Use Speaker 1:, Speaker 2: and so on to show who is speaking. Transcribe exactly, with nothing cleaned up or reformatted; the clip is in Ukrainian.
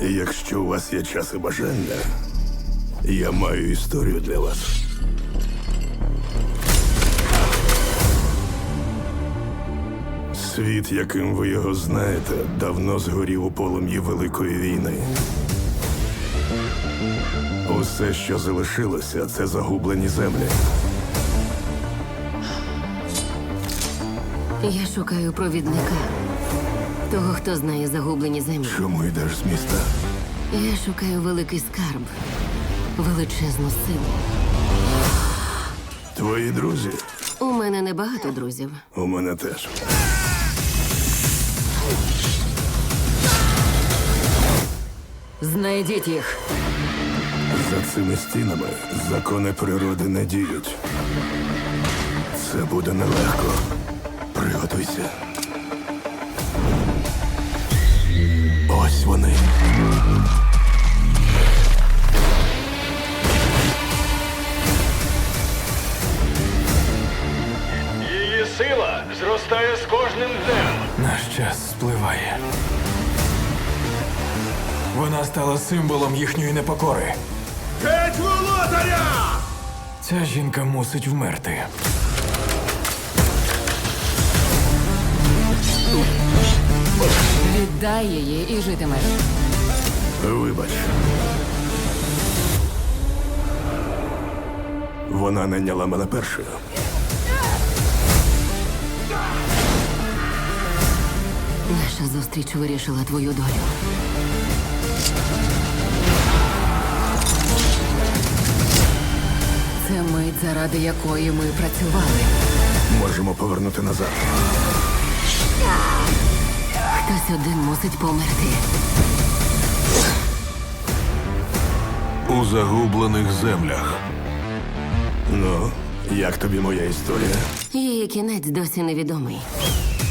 Speaker 1: Якщо у вас є час і бажання, я маю історію для вас. Світ, яким ви його знаєте, давно згорів у полум'ї Великої війни. Усе, що залишилося, це загублені землі.
Speaker 2: Я шукаю провідника. Того, хто знає загублені землі.
Speaker 1: Чому йдеш з міста?
Speaker 2: Я шукаю великий скарб. Величезну силу.
Speaker 1: Твої друзі?
Speaker 2: У мене небагато друзів.
Speaker 1: У мене теж.
Speaker 2: Знайдіть їх.
Speaker 1: За цими стінами закони природи не діють. Це буде нелегко. Приготуйся. Ось вони.
Speaker 3: Її сила зростає з кожним днем.
Speaker 4: Наш час спливає. Вона стала символом їхньої непокори.
Speaker 3: Геть володаря!
Speaker 4: Ця жінка мусить вмерти.
Speaker 2: Віддай її і житимеш.
Speaker 1: Вибач. Вона найняла мене першою.
Speaker 2: Наша зустріч вирішила твою долю. Це мить, заради якої ми працювали.
Speaker 1: Можемо повернути назад.
Speaker 2: Хтось один мусить померти.
Speaker 1: У загублених землях. Ну, як тобі моя історія?
Speaker 2: Її кінець досі невідомий.